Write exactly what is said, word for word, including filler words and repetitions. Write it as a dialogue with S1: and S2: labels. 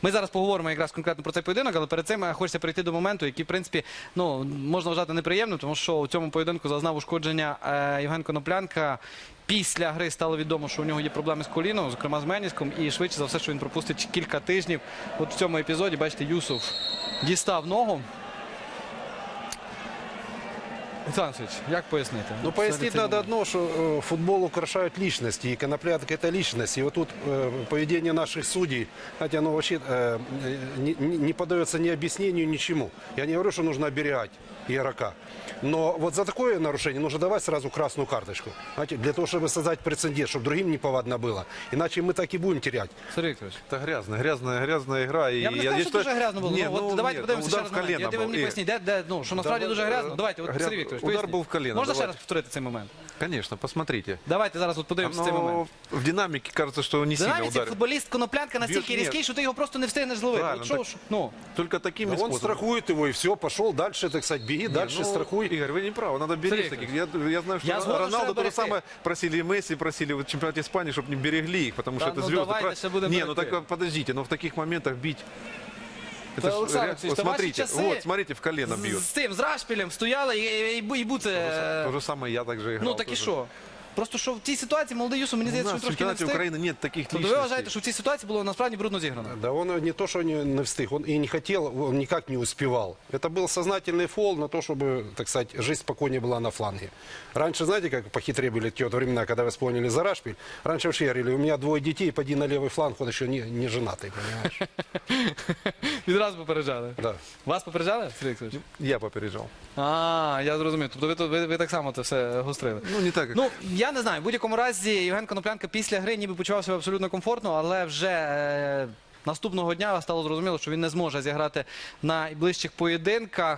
S1: Ми зараз поговоримо якраз конкретно про цей поєдинок, але перед цим хочеться перейти до моменту, який, в принципі, ну, можна вважати неприємним, тому що у цьому поєдинку зазнав ушкодження е, Євген Коноплянка. Після гри стало відомо, що у нього є проблеми з коліном, зокрема з меніском, і швидше за все, що він пропустить кілька тижнів. От в цьому епізоді, бачите, Юсуф дістав ногу. Александр Алексеевич, як пояснити?
S2: Ну, пояснить надо одно, что э, футбол украшают личности, и Коноплянка – это личность. И вот тут э, поведение наших судей, знаете, оно вообще э, не, не поддается ни объяснению, ничему. Я не говорю, что нужно оберегать игрока. Но вот за такое нарушение нужно давать сразу красную карточку. Знаете, для того, чтобы создать прецедент, чтобы другим неповадно было. Иначе мы так и будем терять.
S1: Сергій Вікторович.
S3: Это грязная, грязная, грязная игра. И
S1: Я б не сказав, що
S3: считаю-
S1: дуже грязно було.
S3: Не,
S1: Ну, от
S3: ну,
S1: давайте
S3: нет,
S1: подивимося ще
S3: удар
S1: раз
S3: в
S1: момент.
S3: колено
S1: Я, ви
S3: был.
S1: мені
S3: И-
S1: поясніть, де, де, ну, що насправді
S3: Да,
S1: дуже
S3: э,
S1: грязно. Давайте, от,
S3: гряз-
S1: Сергій Вікторович,
S3: удар
S1: поясніть.
S3: був в коліно,
S1: Можна ще
S3: давайте.
S1: раз повторити цей момент?
S3: Конечно, посмотрите.
S1: Давайте зараз от подивимося цей
S3: Оно
S1: момент.
S3: в динамике кажется, что не
S1: В
S3: сильно
S1: динаміці
S3: ударил.
S1: футболіст Коноплянка настільки
S3: Б'єш-
S1: різкий,
S3: ні.
S1: що ти його просто не встигнеш зловити.
S3: Правильно,
S1: От що
S3: так.
S1: ж, ну,
S3: Только такими
S2: Да он
S3: способами.
S2: страхует его, и все, пошел дальше, так сказать, беги,
S3: Не,
S2: дальше
S3: ну,
S2: страхуй.
S3: Игорь, вы не правы, надо беречь
S1: Сергей
S3: таких. Я, я знаю, что
S1: Я згоден, що
S3: Роналду
S1: треба
S3: то же
S1: берегти.
S3: самое просили и Месси, просили в чемпионате Испании, чтобы не берегли их, потому
S1: Да,
S3: что это
S1: ну
S3: звезды.
S1: давайте
S3: Прав-
S1: ще будемо
S3: Не, ну
S1: берегти.
S3: так подождите, но в таких моментах бить...
S1: Та,
S3: Это ж
S1: Олександр
S3: ре-
S1: Олексійович,
S3: вот
S1: та ваші
S3: смотрите,
S1: часи
S3: вот, смотрите, в колено
S1: з,
S3: бьет.
S1: з цим, з Рашпілем стояли і, і, і, і буце...
S3: То же самое я также играл.
S1: Ну так і
S3: тоже.
S1: що? Просто що в цій ситуації молодий Юсуф, мені
S3: У
S1: здається,
S3: нас
S1: що
S3: в
S1: він трошки не
S3: чемпионате
S1: встиг.
S3: Украины нет таких
S1: Тобто ви
S3: личностей.
S1: вважаєте, що в цій ситуації було насправді брудно зіграно?
S2: Да он не то, что не, не встиг, он и не хотел, он никак не успевал. Это был сознательный фол на то, чтобы, так сказать, жизнь спокойнее была на фланге. Раньше, знаете, как похитрее были те вот времена, когда вы вспомнили за Рашпиль? Раньше вообще говорили, у меня двое детей, поди на левый фланг, он еще не, не женатый, понимаешь?
S1: Відразу попереджали.
S2: Да.
S1: Вас попереджали, Сергій Вікторович?
S3: Я попережал.
S1: А, я зрозумів. Тобто ви, тут- ви, ви так само це все гострили.
S3: Ну, не так, как...
S1: Ну, я не знаю. В будь-якому разі Євген Коноплянка після гри ніби почував себе абсолютно комфортно, але вже е, наступного дня стало зрозуміло, що він не зможе зіграти на найближчих поєдинках.